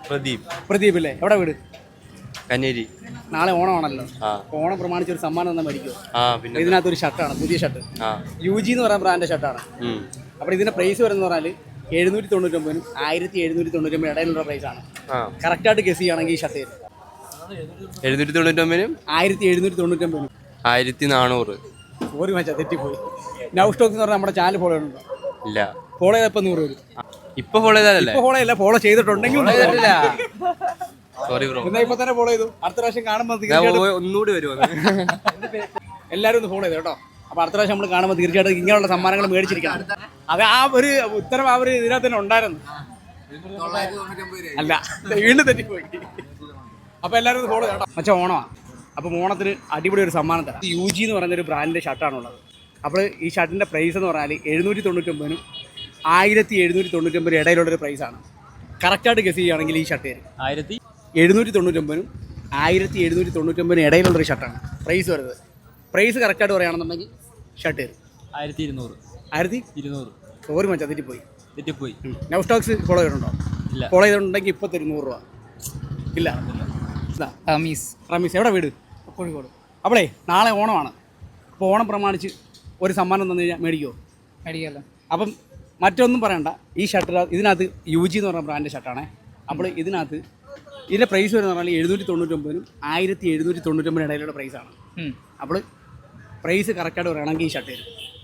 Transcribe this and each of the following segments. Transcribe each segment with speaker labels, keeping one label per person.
Speaker 1: പ്രദീപ് അല്ലേ? എവിടെ വീട്?
Speaker 2: കന്നേരി.
Speaker 1: നാളെ ഓണമാണല്ലോ. ഓണം പ്രമാണിച്ച് ഒരു സമ്മാനം തന്നെ മേടിക്കുമോ? ഇതിനകത്തൊരു ഷർട്ടാണ്, പുതിയ ഷർട്ട്. UG എന്ന് പറയുന്ന ബ്രാൻഡ് ഷർട്ടാണ്. അപ്പോൾ ഇതിന്റെ പ്രൈസ് വരുന്നത് പറഞ്ഞാൽ 799 1799 ഇടയിലുള്ള പ്രൈസാണ്. കറക്റ്റായിട്ട് ഗസ് ചെയ്യുകയാണെങ്കിൽ ഈ ഷർട്ട് വരും
Speaker 2: 799
Speaker 1: 1799
Speaker 2: 1400.
Speaker 1: ഒരു മച്ചാ തെറ്റിപ്പോയി. നൗ സ്റ്റോക്സ് എന്ന് പറഞ്ഞാൽ നമ്മുടെ ചാനൽ ഫോളോ ചെയ്യുന്നുണ്ടോ?
Speaker 2: ഇല്ല.
Speaker 1: ഫോളോ ചെയ്തപ്പോൾ 100 വരും.
Speaker 2: ഇപ്പൊ ഫോളോ ചെയ്താലല്ലേ?
Speaker 1: ഫോളോ ചെയ്യില്ല, ഫോളോ ചെയ്തിട്ടുണ്ടെങ്കിൽ
Speaker 2: സോറി ബ്രോ.
Speaker 1: എന്നാ ഇപ്പൊ തന്നെ ഫോളോ ചെയ്തു. അടുത്ത പ്രാവശ്യം കാണുമ്പോൾ
Speaker 2: ഒന്നുകൂടി വരുമോ?
Speaker 1: എല്ലാവരും ഒന്ന് ഫോളോ ചെയ്തു കേട്ടോ. അപ്പൊ അടുത്ത പ്രാവശ്യം നമ്മൾ കാണുമ്പോൾ തീർച്ചയായിട്ടും ഇങ്ങനെയുള്ള സമ്മാനങ്ങൾ മേടിച്ചിരിക്കണം. അത് ആ ഒരു ഉത്തരം ആ ഒരു ഇതിനകത്ത് തന്നെ ഉണ്ടായിരുന്നു. അല്ല, വീണ്ടും തെറ്റിപ്പോയി. അപ്പൊ എല്ലാവരും ഒന്ന് ഫോളോ ചെയ്യട്ടോ. മച്ചാ ഓണമാണ്. അപ്പം ഓണത്തിന് അടിപൊളി ഒരു സമ്മാനം തരാം. UG എന്ന് പറയുന്നൊരു ബ്രാൻഡിൻ്റെ ഷർട്ടാണുള്ളത്. അപ്പോൾ ഈ ഷർട്ടിൻ്റെ പ്രൈസ് എന്ന് പറഞ്ഞാൽ 799 1799 ഇടയിലുള്ളൊരു പ്രൈസാണ്. കറക്റ്റായിട്ട് ഗസ് ചെയ്യുകയാണെങ്കിൽ ഈ ഷർട്ട് വരും 799 1799 ഇടയിലുള്ളൊരു ഷർട്ടാണ് പ്രൈസ് വരുന്നത്. പ്രൈസ് കറക്റ്റായിട്ട് പറയുകയാണെന്നുണ്ടെങ്കിൽ ഷർട്ട് വരും 1200. സോറി മച്ചാ തെറ്റിപ്പോയി. നൗ സ്റ്റോക്സ് ഫോളോ ചെയ്തിട്ടുണ്ടോ? ഫോളോ ചെയ്തിട്ടുണ്ടെങ്കിൽ ഇപ്പോൾ തരും 100 രൂപ. ഇല്ല. റമീസ് എവിടെ വീട്? കോഴിക്കോട്. അപ്പോളേ നാളെ ഓണമാണ്. അപ്പോൾ ഓണം പ്രമാണിച്ച് ഒരു സമ്മാനം തന്നു കഴിഞ്ഞാൽ മേടിക്കുമല്ലോ. അപ്പം മറ്റൊന്നും പറയണ്ട, ഈ ഷർട്ട് ഇതിനകത്ത് UG എന്ന് പറഞ്ഞ ബ്രാൻഡ് ഷർട്ടാണ്. അപ്പോൾ ഇതിൻ്റെ പ്രൈസ് വരുന്ന പറഞ്ഞാൽ 799 1799 ഇടയിലുള്ള പ്രൈസാണ്. അപ്പോൾ പ്രൈസ് കറക്റ്റായിട്ട് പറയുകയാണെങ്കിൽ ഈ ഷർട്ട് വരും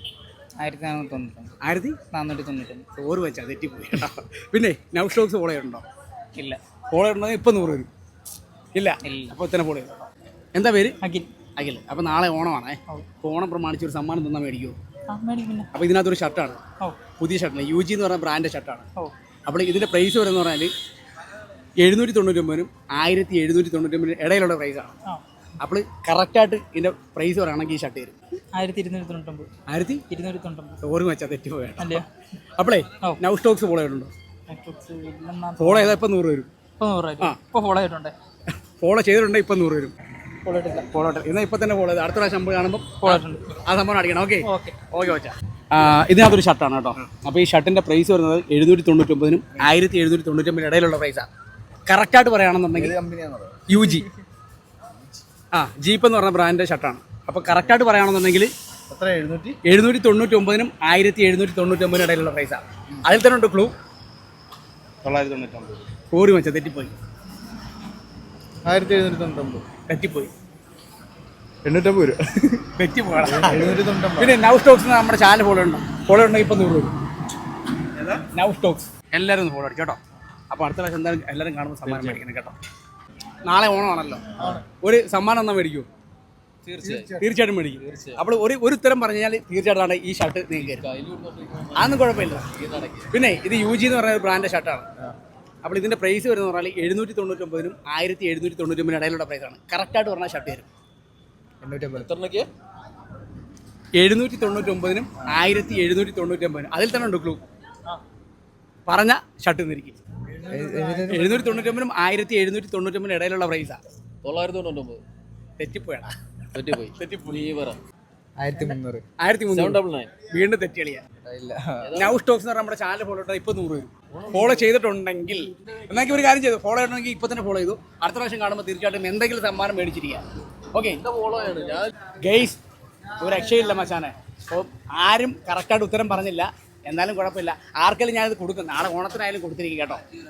Speaker 1: 1499. ഓറ് വെച്ചാൽ തെറ്റിപ്പോയി കേട്ടോ. പിന്നെ നൗ സ്റ്റോക്സ് ഫോളോ ചെയ്തിട്ടുണ്ടോ? ഇല്ല. ഫോളോ ചെയ്തിട്ടുണ്ടെങ്കിൽ ഇപ്പം 100 വരും. ഇല്ല. അപ്പോൾ ഇത്തന്നെ ഫോളോ ചെയ്തോ. എന്താ പേര്? അഖിൽ. അപ്പോൾ നാളെ ഓണമാണ്. അപ്പോൾ ഓണം പ്രമാണിച്ച് ഒരു സമ്മാനം തന്നാൽ മേടിക്കുമോ? അപ്പോൾ ഇതിനകത്തൊരു ഷർട്ടാണ്, പുതിയ ഷർട്ടാണ്. UG എന്ന് പറഞ്ഞ ബ്രാൻഡ് ഷർട്ടാണ്. അപ്പോൾ ഇതിൻ്റെ പ്രൈസ് വരുന്നത് പറഞ്ഞാൽ 799 1799 ഇടയിലുള്ള പ്രൈസാണ്. അപ്പോൾ കറക്റ്റായിട്ട് ഇതിൻ്റെ പ്രൈസ് പറയുകയാണെങ്കിൽ ഈ ഷർട്ട് വരും 1299. ഓർമ്മ വെച്ചാൽ തെറ്റിപ്പോയാണ്. അപ്പോളേ നൗ സ്റ്റോക്സ് ഫോളോ ചെയ്തിട്ടുണ്ടോ? ഫോളോ ചെയ്താൽ ഇപ്പം 100 വരും. ഫോളോ ചെയ്തിട്ടുണ്ടെങ്കിൽ ഇപ്പം 100 വരും. ഫോളോ എന്നാൽ ഇപ്പം തന്നെ ഫോളോ ചെയ്ത് അടുത്ത പ്രാവശ്യം നമ്മൾ കാണുമ്പോൾ ആ സംഭവം അടിക്കണം. ഓക്കെ വെച്ചാൽ ഇതിനകത്തൊരു ഷർട്ടാണ് കേട്ടോ. അപ്പോൾ ഈ ഷർട്ടിൻ്റെ പ്രൈസ് വരുന്നത് 799 1799 ഇടയിലുള്ള പ്രൈസാണ്. കറക്റ്റായിട്ട് പറയുകയാണെന്നുണ്ടെങ്കിൽ UG ജീപ്പ് എന്ന് പറഞ്ഞ ബ്രാൻഡിൻ്റെ ഷർട്ടാണ്. അപ്പോൾ കറക്റ്റായിട്ട് പറയുകയാണെന്നുണ്ടെങ്കിൽ 799 1799 ഇടയിലുള്ള പ്രൈസാണ്. അതിൽ തന്നെ ഉണ്ട് ക്ലൂ 999. കോറി വെച്ചാൽ തെറ്റിപ്പോയി. 1799 തെറ്റിപ്പോയി. 850 രൂപ തെറ്റിപ്പോയാണ്. പിന്നെ നൗ സ്റ്റോക്സ് നമ്മുടെ ചാനൽ ഫോളോ ഉണ്ടെങ്കിൽ ഇപ്പം 100 വരും. നൗ സ്റ്റോക്സ് എല്ലാവരും ഒന്ന് ഫോളോ അടിക്കും കേട്ടോ. അപ്പോൾ അടുത്ത പ്രാവശ്യം എന്തായാലും എല്ലാവരും കാണുമ്പോൾ സമ്മാനം മേടിക്കണം കേട്ടോ. നാളെ ഓണമാണല്ലോ. ഒരു സമ്മാനം എന്നാൽ മേടിക്കുമോ? തീർച്ചയായിട്ടും മേടിക്കും. അപ്പോൾ ഒരു ഉത്തരം പറഞ്ഞു കഴിഞ്ഞാൽ തീർച്ചയായിട്ടും ഈ ഷർട്ട് നിങ്ങൾക്ക് അതൊന്നും കുഴപ്പമില്ല. പിന്നെ ഇത് UG എന്ന് പറഞ്ഞ ബ്രാൻഡ് ഷർട്ടാണ്. അപ്പോൾ ഇതിൻ്റെ പ്രൈസ് വരുന്നത് പറഞ്ഞാൽ 799 1799 ഇടയിലുള്ള പ്രൈസാണ്. കറക്റ്റായിട്ട് പറഞ്ഞാൽ ഷർട്ട് വരും 799 1799. അതിൽ തന്നെ ഉണ്ട് ക്ലൂ. പറഞ്ഞ ഷർട്ട് നിന്നിരിക്കും 799 1799 ഇടയിലുള്ള പ്രൈസാണ്. 999 തെറ്റിപ്പോയാടാ. തെറ്റിപ്പോയി 1300. വീണ്ടും തെറ്റിയളിയാ. നൗ സ്റ്റോക്സ് എന്ന് പറഞ്ഞാൽ നമ്മുടെ ചാനൽ ഫോളോ ചെയ്താൽ ഇപ്പം 100 വരും. ഫോളോ ചെയ്തിട്ടുണ്ടെങ്കിൽ എന്നാൽ ഒരു കാര്യം ചെയ്തു, ഫോളോ ചെയ്യണമെങ്കിൽ ഇപ്പം തന്നെ ഫോളോ ചെയ്തു. അടുത്ത പ്രാവശ്യം കാണുമ്പോൾ തീർച്ചയായിട്ടും എന്തെങ്കിലും സമ്മാനം മേടിച്ചിരിക്കുക. ഓക്കെ ഗെയ്സ്, ഒരു രക്ഷയില്ല മച്ചാനെ. അപ്പോൾ ആരും കറക്റ്റായിട്ട് ഉത്തരം പറഞ്ഞില്ല. എന്നാലും കുഴപ്പമില്ല, ആർക്കെങ്കിലും ഞാനിത് കൊടുക്കും. നാളെ ഓണത്തിനായാലും കൊടുത്തിരിക്കും കേട്ടോ.